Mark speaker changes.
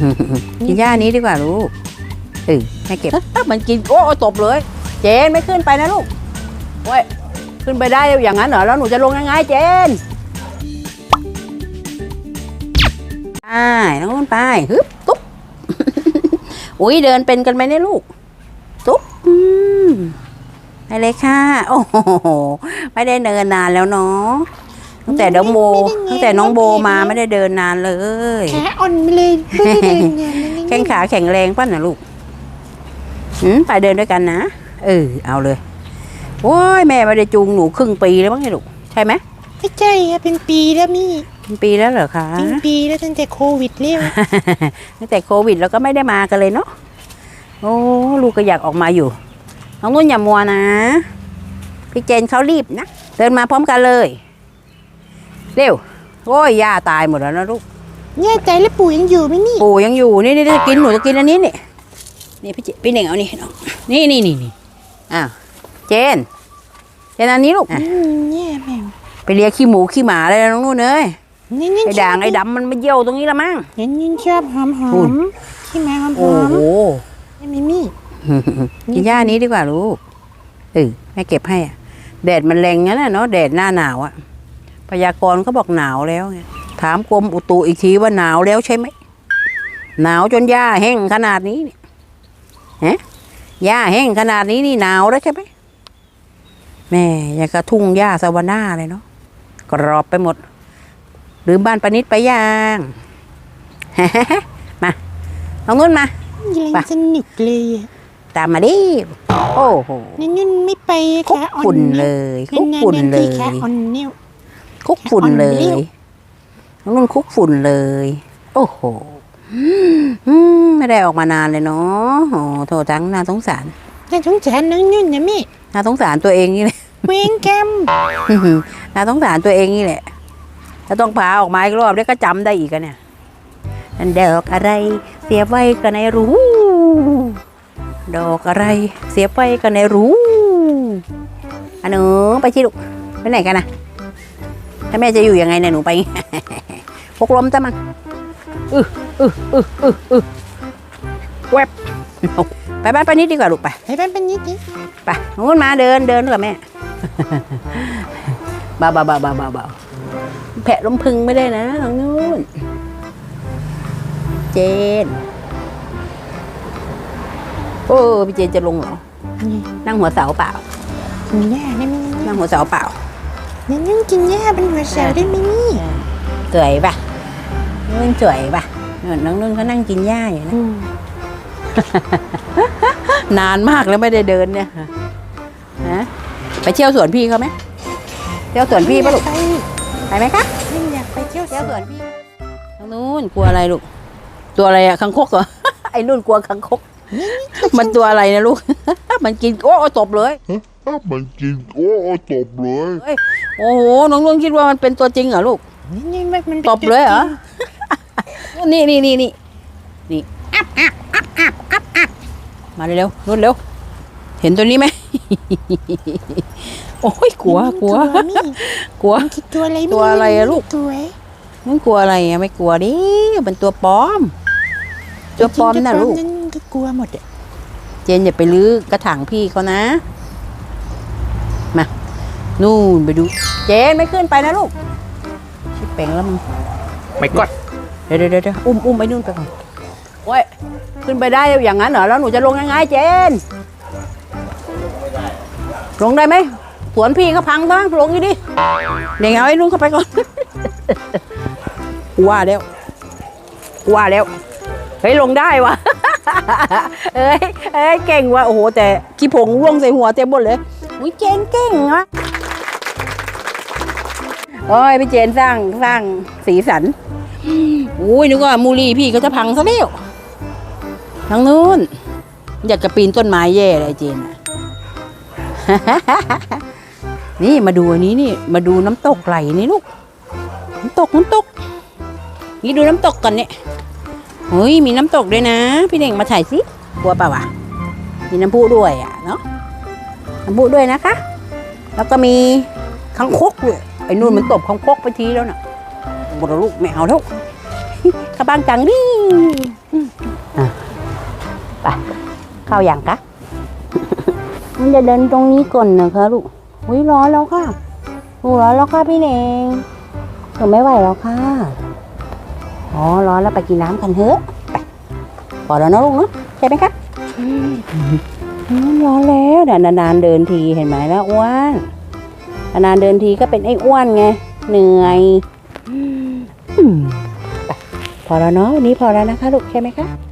Speaker 1: กินหญ้านี้ดีกว่าลูกให้เก็บมันกินโอ้ตบเลยเจนไม่ขึ้นไปนะลูกโอ้ยขึ้นไปได้อย่างนั้นเหรอแล้วหนูจะลงยังไงเจนน้องนุ่นไปฮึบตุ๊บอุ้ยเดินเป็นกันไหมเนี่ยลูกตุ๊บไปเลยค่ะโอ้โหไม่ได้เดินนานแล้วเนาะตั้งแต่น้องโบมาไม่ได้เดินนานเลย
Speaker 2: ขาอ่อนไปเลยไม่ได้เดิน
Speaker 1: แข้งขาแข็งแรงป่ะนะลูกไปเดินด้วยกันนะเอาเลยโอ้ยแม่ไม่ได้จูงหนูครึ่งปีแล้วมั้งเนี่ยลูกใช่ไหม
Speaker 2: ไม่ใช่อะเป็นปีแล้วมี่
Speaker 1: เป็นปีแล้วเหรอคะ
Speaker 2: เป็นปีแล้วตั้งแต่โควิดเรียก
Speaker 1: ตั้งแต่โควิดแล้วก็ไม่ได้มากันเลยเนาะโอ้ลูกก็อยากออกมาอยู่น้องนุ่นอย่ามัวนะพี่เจนเขารีบนะเดินมาพร้อมกันเลยเร็วโอ้ยย่าตายหมดแล้วนะลูก
Speaker 2: เนี่ยใจแล้วปู่ยังอยู่ไหมนี่
Speaker 1: ปู่ยังอยู่นี่จะกินหนูจะกินอันนี้นี่พี่เน่งเอานี่น้องนี่อ้าวเจนอันนี้ลูก
Speaker 2: เนี่ยแม่
Speaker 1: ไปเลียขี้หมูขี้หมาเลยน้องนุ่นเอ้ยไอ้ด่างไอ้ดำมันมาเยี่ยวตรงนี้ละมั้ง
Speaker 2: ยินชอบหอมขี้หมาหอม
Speaker 1: โอ้โห
Speaker 2: มิมี่
Speaker 1: กินหญ้านี้ดีกว่าลูกแม่เก็บให้แดดมันแรงงั้นเนาะแดดหน้าหนาวอะพยากรณ์เขาบอกหนาวแล้วไงถามกรมอุตุอีกทีว่าหนาวแล้วใช่ไหมหนาวจนหญ้าแห้งขนาดนี้เนี่ยหญ้าแห้งขนาดนี้นี่หนาวแล้วใช่ไหมแม่ยังกระทุ่งหญ้าสวาน่าเลยเนาะกรอบไปหมดหรือบ้านปนิดไปย่างมาเอาเงินมา
Speaker 2: สนุกเลย
Speaker 1: ตามมาดิโอ้โห
Speaker 2: นุ่นไม่ไป
Speaker 1: คุกฝุ่นเลยคุกฝุ่นเลยคุกฝุ่นเลยนุ่นคุกฝุ่นเลยโอ้โหไม่ได้ออกมานานเลยเนาะโอ้โถจังน่าสงสาร
Speaker 2: น้องนุ่นนะมี่
Speaker 1: น่าสงสารตัวเองนี่แหละ
Speaker 2: เวงแกม
Speaker 1: น่าสงสารตัวเองนี่แหละถ้าต้องพาออกมาอีกรอบได้ก็จำได้อีกเนี่ยอันดอกอะไรเสียบไว้ก็ในรู้ดอกอะไรเสียบไว้ก็ในรู้อันหนูไปที่ลูกไปไหนกันนะถ้าแม่จะอยู่ยังไงเนี่ยหนูไปพกลมจ้ะมันแวบไปบ้านไปนิดดีกว่าลูกไป
Speaker 2: บ้านไปนิดดิ
Speaker 1: ไปนู้นมาเดินกับแม่เบาแผะลมพึงไม่ได้นะทางนู้นเจนโอ้พี่เจนจะลงเหรอนั่งหัวเสาเปล่า
Speaker 2: กินหญ้าได้ไหม
Speaker 1: นั่งหัวเสาเปล่า
Speaker 2: นั่งกินหญ้าเป็นหัวเสาได้ไหมนี่
Speaker 1: สวยป่ะนุ่นสวยป่ะน้องนุ่นเขานั่งกินหญ้าอยู่นะนานมากแล้วไม่ได้เดินเนี่ยไปเที่ยวสวนพี่เขาไหมเที่ยวสวนพี่ป่ะลูกไปไหมคะ
Speaker 2: อยากไปเที่ยว
Speaker 1: สวนพี่ทางนู้นกลัวอะไรลูกตัวอะไรอะคังคกเหรอไอ้นุ่นกลัวคังคกมันตัวอะไรนะลูกมันกินโอ้ตบเลย
Speaker 3: มันกินโอ้ตบเลย
Speaker 1: โอ้โหน้องนุ่นคิดว่ามันเป็นตัวจริงเหรอลูก
Speaker 2: นี่มัน
Speaker 1: ตบเลยเหรอนี่มาเร็วนุ่นเร็วเห็นตัวนี้ไหมโอ้ยกลัวตัวอะไรอะลูกนั่นกลัวอะไรอะไม่กลัวดิเป็นตัวปลอมนะลูก
Speaker 2: ก็กลัวหมด
Speaker 1: เจนอย่าไปลื้อกระถางพี่เขานะมานู่นไปดูเจนไม่ขึ้นไปนะลูกชิบเป่งแล้วมึง
Speaker 3: ไม่กด
Speaker 1: เดี๋ยวอุ้มไปนู่นไปก่อนโอ้ยขึ้นไปได้อย่างนั้นเหรอแล้วหนูจะลงยังไงเจนลงได้ไหมสวนพี่เขาพังบ้างลงอยู่ดิเดี๋ยวเอาไอ้นุ่นเข้าไปก่อนว่าแล้วเฮ้ยลงได้วะเอ้ยเก่งว่ะโอ้โหแต่ขี้ผงร่วงใส่หัวเต็มหมดเลยอุ้ยเก่งวะโอ้ยพี่เจนสร้างสีสันอุ้ยนึกว่ามูลี่พี่เขาจะพังซะแล้วทางนู้นอยากจะปีนต้นไม้แย่เลยเจนนี่มาดูอันนี้นี่มาดูน้ำตกไหลนี่ลูกน้ำตกนี่ดูน้ำตกกันเนี่ยเฮ้ยมีน้ำตกด้วยนะพี่เน่งมาถ่ายสิกลัวเปล่าวะมีน้ำพุด้วยอ่ะเนาะน้ำพุด้วยนะคะแล้วก็มีคังคกด้วยไอ้นู่นมันตบคังคกไปทีแล้วน่ะหมดแล้วลูกไม่เอาแล้วเข้าบ้านจังดิอ่ะไปเข้าอย่างกะ มันจะเดินตรงนี้ก่อนนะคะลูกอุ้ยร้อนแล้วค่ะร้อนแล้วค่ะพี่เน่งหนูไม่ไหวแล้วค่ะอ๋อร้อนแล้วไปกินน้ำกันเถอะไปพอแล้วนะลูกเนาะใช่ไหมคะร้อนแล้วเดี๋ยวนานๆเดินทีเห็นไหมแล้วอ้วนนานๆเดินทีก็เป็นไอ้อ้วนไงเหนื่อยไปพอแล้วเนาะวันนี้พอแล้วนะคะลูกใช่ไหมคะ